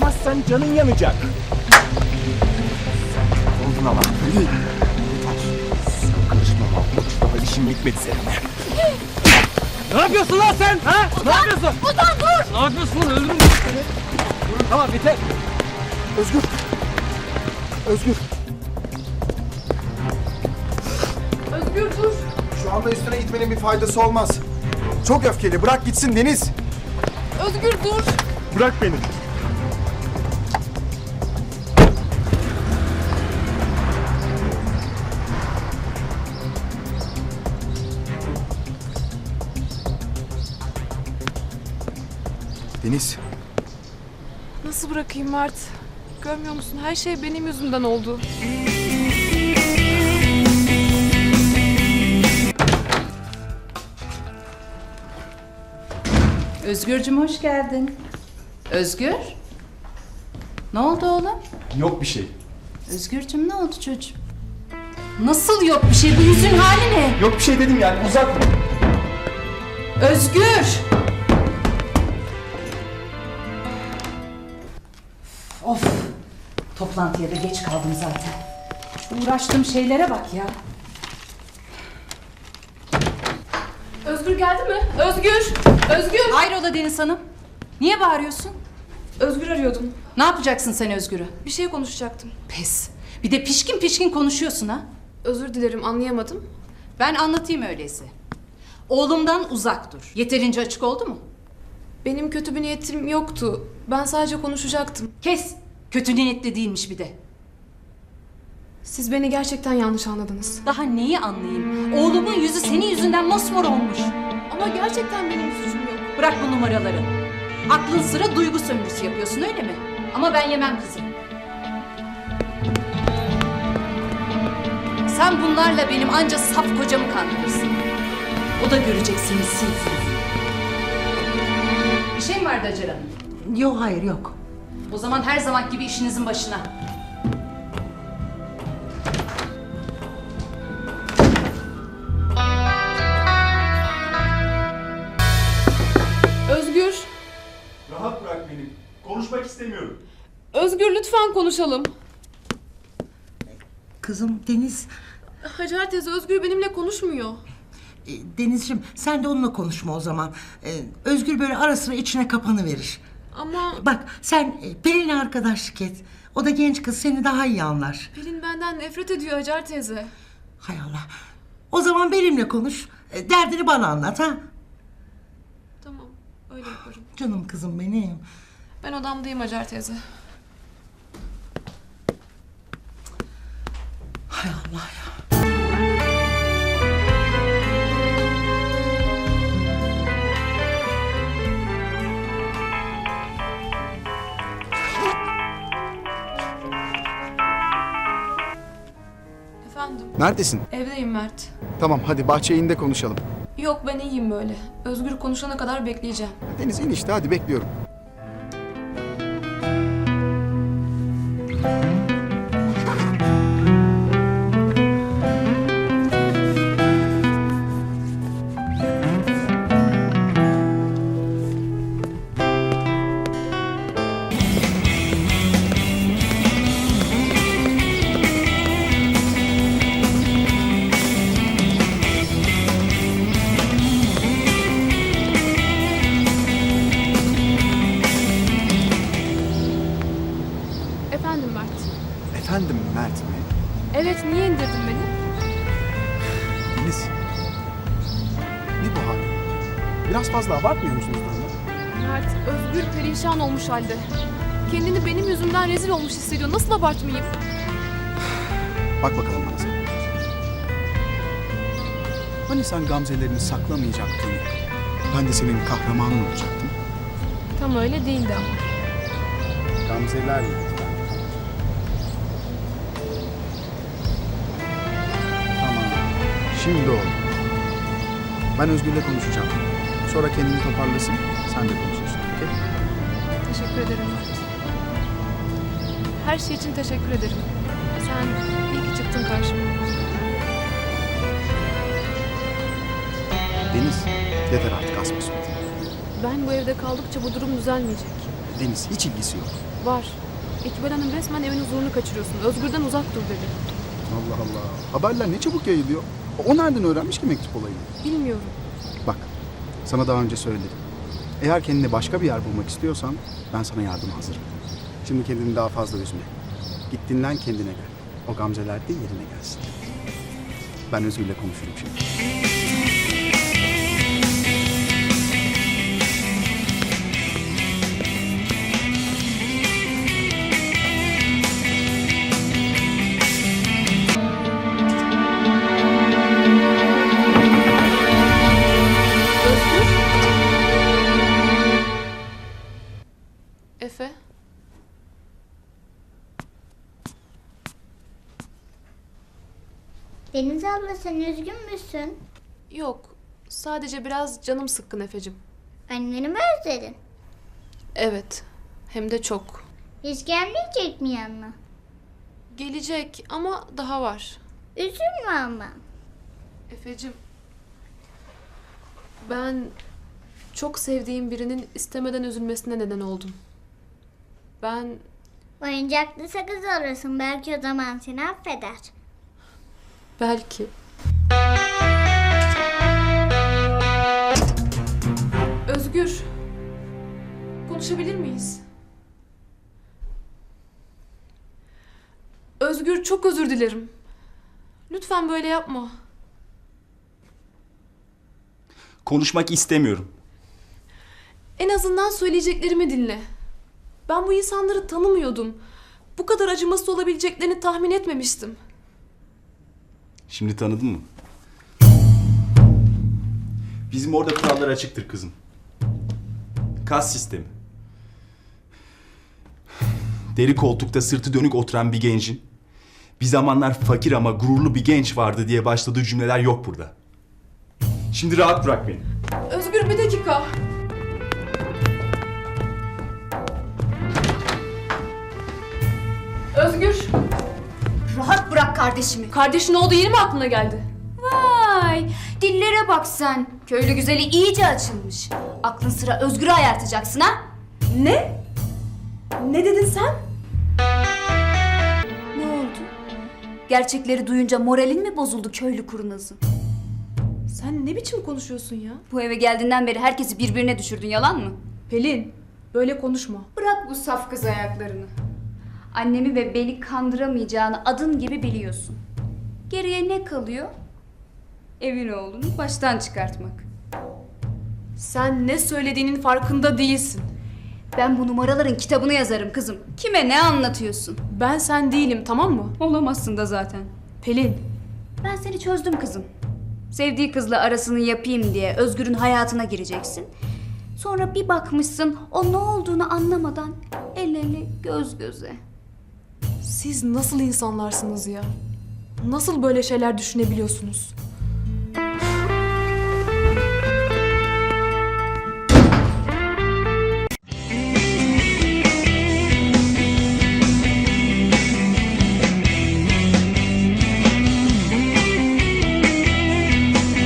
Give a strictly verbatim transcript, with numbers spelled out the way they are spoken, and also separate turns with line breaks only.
bırakmazsan canın yanacak. Oldun ama. Yeter. Sen karışma Mahmut. Daha işim bitmedi seninle.
Ne yapıyorsun lan sen? Ha?
Ozan,
Ne yapıyorsun?
Ozan dur!
Ne yapıyorsun lan? Öldürürüm seni.
Tamam biter. Özgür. Özgür.
Özgür dur!
Şu anda üstüne gitmenin bir faydası olmaz. Çok öfkeli. Bırak gitsin Deniz.
Özgür dur!
Bırak beni.
Deniz.
Nasıl bırakayım Mert? Görmüyor musun? Her şey benim yüzümden oldu.
Özgürcüm hoş geldin. Özgür? Ne oldu oğlum?
Yok bir şey.
Özgürcüm ne oldu çocuğum? Nasıl yok bir şey? Bu yüzün hali ne?
Yok bir şey dedim yani. Uzak.
Özgür! Of! Toplantıya da geç kaldım zaten. Şu uğraştığım şeylere bak ya.
Özgür geldi mi? Özgür! Özgür!
Hayrola Deniz Hanım? Niye bağırıyorsun?
Özgür arıyordum.
Ne yapacaksın sen Özgür'ü?
Bir şey konuşacaktım.
Pes! Bir de pişkin pişkin konuşuyorsun ha.
Özür dilerim, anlayamadım.
Ben anlatayım öyleyse. Oğlumdan uzak dur. Yeterince açık oldu mu?
Benim kötü bir niyetim yoktu. Ben sadece konuşacaktım.
Kes! Kötü niyetli değilmiş bir de.
Siz beni gerçekten yanlış anladınız.
Daha neyi anlayayım? Oğlumun yüzü senin yüzünden mosmor olmuş.
Ama gerçekten benim suçum yok.
Bırak bu numaraları. Aklın sıra duygu sömürüsü yapıyorsun öyle mi? Ama ben yemem kızım. Sen bunlarla benim anca saf kocamı kandırırsın. O da göreceksiniz siz. Bir şey mi vardı Hacer Hanım?
Yok hayır yok.
O zaman her zaman gibi işinizin başına.
Özgür!
Rahat bırak beni. Konuşmak istemiyorum.
Özgür lütfen konuşalım.
Kızım Deniz,
Hacer teyze, Özgür benimle konuşmuyor.
e, Denizciğim sen de onunla konuşma o zaman. E, Özgür böyle ara sıra içine kapanı verir.
Ama
Bak sen e, Pelin'le arkadaşlık et. O da genç kız seni daha iyi anlar.
Pelin benden nefret ediyor Hacer teyze.
Hay Allah. O zaman benimle konuş. E, derdini bana anlat ha.
Tamam, öyle yaparım.
Canım kızım benim.
Ben odamdayım Hacer teyze.
Hay Allah ya.
Efendim,
Neredesin?
evdeyim Mert.
Tamam hadi bahçeye in de konuşalım.
Yok, ben iyiyim böyle. Özgür konuşana kadar bekleyeceğim.
Deniz in işte hadi bekliyorum.
Efendim Mert.
Efendim Mert mi?
Evet, niye indirdin beni?
Deniz. Ne bu hal? Biraz fazla abartmıyor musunuz durumu?
Mert, Özgür perişan olmuş halde. Kendini benim yüzümden rezil olmuş hissediyor. Nasıl abartmayayım?
Bak bakalım bana sen. Hani sen gamzelerini saklamayacaktın? Ben de senin kahramanın olacaktım.
Tam öyle değildi ama.
Gamzelerle. Tamam. Şimdi oldu. Ben Özgür'le konuşacağım. Sonra kendini toparlasın. Sen de konuşursun. Okey?
Teşekkür ederim Mert. Her şey için teşekkür ederim. Sen iyi ki çıktın karşıma.
Deniz, yeter artık asma suratını.
Ben bu evde kaldıkça bu durum düzelmeyecek.
Deniz hiç ilgisi yok.
Var. İkbal Hanım resmen evin huzurunu kaçırıyorsun. Özgür'den uzak dur dedi.
Allah Allah. Haberler ne çabuk yayılıyor. O nereden öğrenmiş ki mektup olayını?
Bilmiyorum.
Bak, sana daha önce söyledim. Eğer kendine başka bir yer bulmak istiyorsan ben sana yardıma hazırım. Şimdi kendini daha fazla üzme. Git dinlen, kendine gel. O gamzeler de yerine gelsin. Ben Özgür'le konuşurum şimdi.
Özgür? Efe?
Deniz abla sen üzgün müsün?
Yok. Sadece biraz canım sıkkın Efe'cim.
Anneni mi özledin?
Evet. Hem de çok.
Hiç gelmeyecek mi yanına?
Gelecek ama daha var.
Üzülme ama.
Efe'cim. Ben çok sevdiğim birinin istemeden üzülmesine neden oldum. Ben
Oyuncaklı sakız alırsın, belki o zaman seni affeder.
belki... Özgür. Konuşabilir miyiz? Özgür, çok özür dilerim. Lütfen böyle yapma.
Konuşmak istemiyorum.
En azından söyleyeceklerimi dinle. Ben bu insanları tanımıyordum. Bu kadar acımasız olabileceklerini tahmin etmemiştim.
Şimdi tanıdın mı? Bizim orada kurallar açıktır kızım. Kas sistemi. Deri koltukta sırtı dönük oturan bir gencin bir zamanlar fakir ama gururlu bir genç vardı diye başladığı cümleler yok burada. Şimdi rahat bırak beni.
Özgür, bir dakika. Özgür.
Rahat bırak kardeşimi.
Kardeşin olduğu yeri mi aklına geldi?
Vay, dillere bak sen. Köylü güzeli iyice açılmış. Aklın sıra Özgür'ü ayartacaksın ha?
Ne? Ne dedin sen?
Ne oldu? Gerçekleri duyunca moralin mi bozuldu köylü kurnazı?
Sen ne biçim konuşuyorsun ya?
Bu eve geldiğinden beri herkesi birbirine düşürdün, yalan mı?
Pelin, böyle konuşma.
Bırak bu saf kız ayaklarını. Annemi ve beni kandıramayacağını adın gibi biliyorsun. Geriye ne kalıyor? Evin oğlunu baştan çıkartmak.
Sen ne söylediğinin farkında değilsin.
Ben bu numaraların kitabını yazarım kızım. Kime ne anlatıyorsun?
Ben sen değilim, tamam mı?
Olamazsın da zaten.
Pelin,
Ben seni çözdüm kızım. Sevdiği kızla arasını yapayım diye Özgür'ün hayatına gireceksin. Sonra bir bakmışsın o ne olduğunu anlamadan el ele göz göze.
siz nasıl insanlarsınız ya? Nasıl böyle şeyler düşünebiliyorsunuz?